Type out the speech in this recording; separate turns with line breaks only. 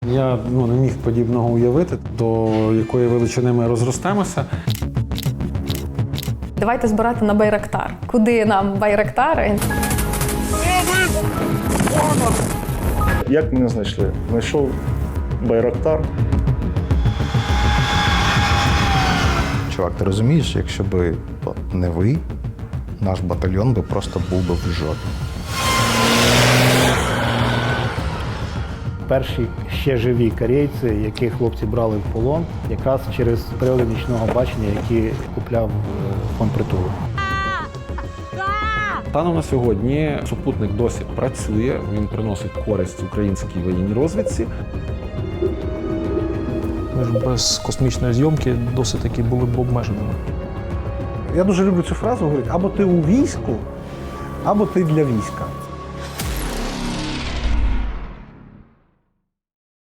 Я не міг подібного уявити, до якої величини ми розростемося.
Давайте збирати на Байрактар. Куди нам Байрактари?
Як мене знайшли? Знайшов Байрактар.
Чувак, ти розумієш, якщо б не ви, наш батальйон би просто був би в жопі.
Перші ще живі корейці, яких хлопці брали в полон, якраз через прилади нічного бачення, які купляв фонд притулу.
Станом на сьогодні супутник досі працює, він приносить користь українській воєнній розвідці.
Ми ж без космічної зйомки досить таки були б обмеженими.
Я дуже люблю цю фразу, говорить, або ти у війську, або ти для війська.